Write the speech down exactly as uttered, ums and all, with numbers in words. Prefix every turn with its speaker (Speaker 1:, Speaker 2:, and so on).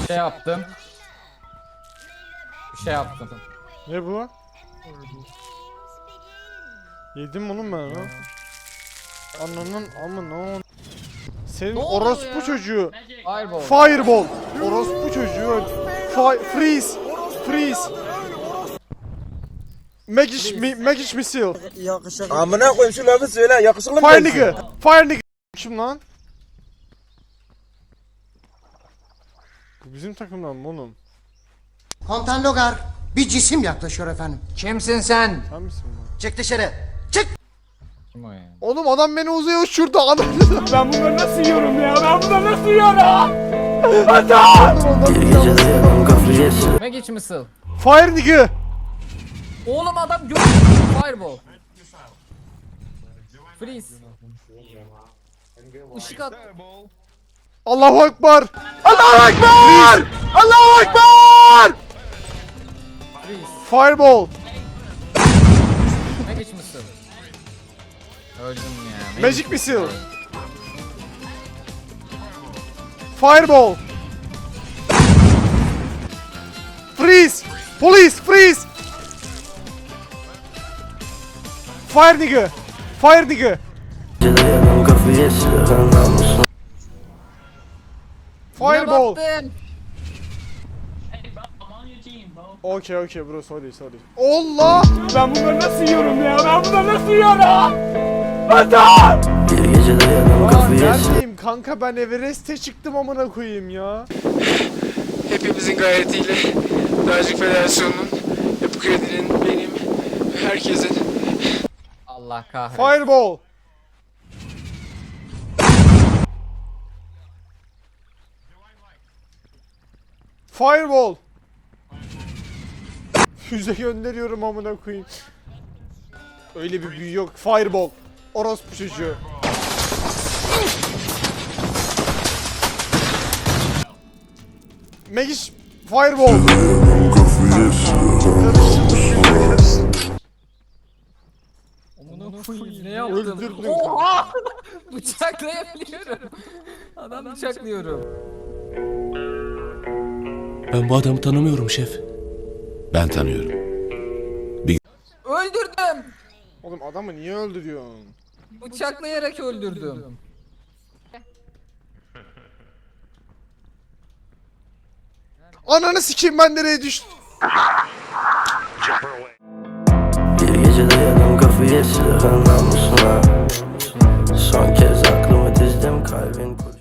Speaker 1: Bir şey yaptım. Bir şey yaptım.
Speaker 2: Ne bu? Yedim oğlum ben ha. Ananın amına. Senin
Speaker 1: Ne oluyor
Speaker 2: orospu
Speaker 1: ya?
Speaker 2: çocuğu.
Speaker 1: Fireball.
Speaker 2: Fireball. Orospu çocuğu öl. Fi freeze. Freeze. Magic mi Magic missile.
Speaker 3: Amına koyayım şu lafı söyle yakışıklı mı?
Speaker 2: Fire nigga. Fire nigga. Kim lan? Bu bizim takımdan mı oğlum?
Speaker 4: Komutan Logar, bir cisim yaklaşıyor efendim. Kimsin sen?
Speaker 2: Sen misin bu?
Speaker 4: Çık dışarı. Çık!
Speaker 1: Kim o ya?
Speaker 2: Oğlum adam beni uzaya uçurdu. Adam.
Speaker 5: Ben bunları nasıl yiyorum ya? Ben bunları nasıl yiyorum?
Speaker 1: Magic missile.
Speaker 2: Fire nigga.
Speaker 1: Oğlum adam gördü. Fireball. Freeze. Işık at.
Speaker 2: Allahu Ekber. Allahu Ekber. Allahu Ekber.
Speaker 1: Freeze.
Speaker 2: Fireball.
Speaker 1: Magic missile. Öldüm ya.
Speaker 2: Magic missile. Fireball. Freeze. Police freeze. Fire nigga. Fire nigga. Fireball.
Speaker 1: Baktın.
Speaker 2: Okay okay bro sorry sorry. Allah.
Speaker 5: Ben bunları nasıl yiyorum ya? Ben bunları nasıl yiyorum? Vatan!
Speaker 2: Aa, neredeyim kanka ben Everest'e çıktım amına koyayım ya.
Speaker 6: Hepimizin gayretiyle Dağcılık Federasyonu'nun, Yapı Kredi'nin, benim ve herkesin
Speaker 1: Allah kahretsin.
Speaker 2: Fireball. Fireball. Füze gönderiyorum amına koyayım. Öyle bir büyü yok. Fireball. Orospu çocuğu. Magic Fireball.
Speaker 1: Amına koyayım ne yaptın?
Speaker 2: Öldürdün.
Speaker 1: Oha! Bıçaklayabiliyorum. Adam bıçaklıyorum.
Speaker 7: Ben bu adamı tanımıyorum şef.
Speaker 8: Ben tanıyorum.
Speaker 1: Öldürdüm.
Speaker 2: Oğlum adamı niye öldürüyorsun?
Speaker 1: Bıçaklayarak öldürdüm.
Speaker 2: Ananı sikeyim ben nereye düştüm?
Speaker 7: Bir gece dayadım kafayı silahın namusuna. Son kez aklımı dizdim kalbin kurşun.